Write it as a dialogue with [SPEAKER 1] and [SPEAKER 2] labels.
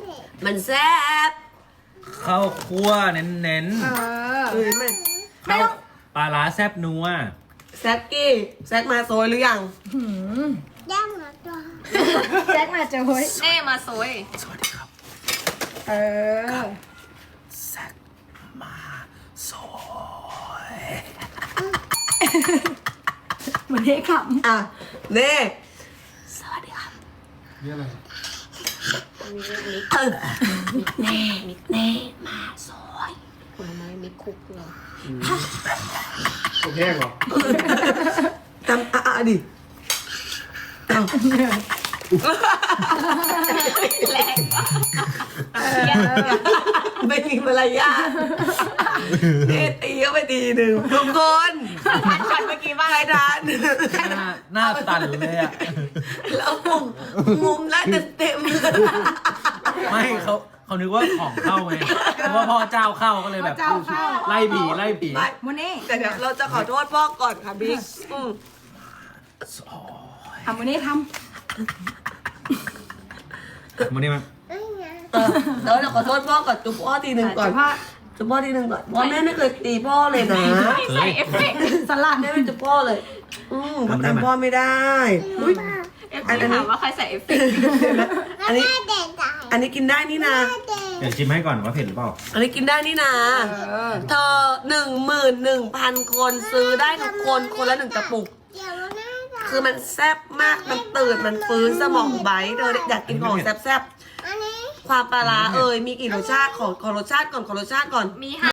[SPEAKER 1] มันแซ่บ
[SPEAKER 2] ข้าวคั่วเน้น
[SPEAKER 1] มัน
[SPEAKER 2] ๆข้าวปลาร้าแซ่บนัว
[SPEAKER 1] แซกกี้แซกมาโซยหรือยัง
[SPEAKER 3] ย่างมาตัว
[SPEAKER 4] แจ็คมาเจอเฮ้ย
[SPEAKER 5] เน่มาโซย
[SPEAKER 2] สวัสดีครับ
[SPEAKER 4] เออ
[SPEAKER 2] แซ่บมาซอย
[SPEAKER 4] เหมือนเท่ข
[SPEAKER 1] อ่ะเน่
[SPEAKER 2] สวัสดีครับ
[SPEAKER 6] นี่อะไร
[SPEAKER 1] เน่มาโซย
[SPEAKER 5] ผลไม้มิคุกเหรอ
[SPEAKER 6] ตัวแห้งเหรอ
[SPEAKER 1] ทำดิเอา
[SPEAKER 5] แรงปะ
[SPEAKER 1] ไม่มีมารยาทเน่ตีเข้าไปทีหนึ่งทุกคน
[SPEAKER 5] ช็อตเมื่อกี้ว่า
[SPEAKER 1] ใครทาน
[SPEAKER 2] หน้าตันเลยอ่ะ
[SPEAKER 1] แล้วมุมแล้วเต็ม
[SPEAKER 2] ไม่เขานึกว่าของเข้าไงเพราะว่าพ่อเจ้าเข้าก็เลยแบบไล่ผีไล่ผี
[SPEAKER 1] ไม่
[SPEAKER 4] ำโมเน่
[SPEAKER 1] แต่เดี๋ยวเราจะขอโทษพ่อก่อนค่ะบิ๊ก
[SPEAKER 4] ทำโมเน่ท
[SPEAKER 2] มันนี่มัน
[SPEAKER 1] แล้วเราขอโทษพ่อก่อนจุ๊บพ่อทีหนึ่งก่อน
[SPEAKER 4] ำว่า
[SPEAKER 1] จุ๊บพ่อทีหนึ่งก่อนเพราะแม่ไม่เคยตีพ่อเลยนะ
[SPEAKER 5] ไม่ใส่เอฟเฟกต์
[SPEAKER 4] สลัด
[SPEAKER 1] แม่ไม่จุ๊บพ่อเลยทำพ่อไม่ได้อุ๊ย
[SPEAKER 5] เอฟเฟกต์ถามว่าใครใส่เอฟเฟกต์
[SPEAKER 1] อันนี้
[SPEAKER 3] เด็กตาย
[SPEAKER 1] อันนี้กินได้นี่นะ
[SPEAKER 2] เดี๋ยวชิมให้ก่อนว่าเผ็ดหรือเปล่า
[SPEAKER 1] อันนี้กินได้นี่นะเธอ11,000 คนซื้อได้ทุกคนคนละ1 กระปุก
[SPEAKER 3] เดี๋ยวหน้าตา
[SPEAKER 1] คือมันแซ่บมากมันตื่นมันฟื้นสมองไบท์เธออยากกินของแซ่บ
[SPEAKER 3] อันนี้
[SPEAKER 1] ๆความปลาร้ามีกี่รสชาติขอรสชาติก่อน
[SPEAKER 5] มี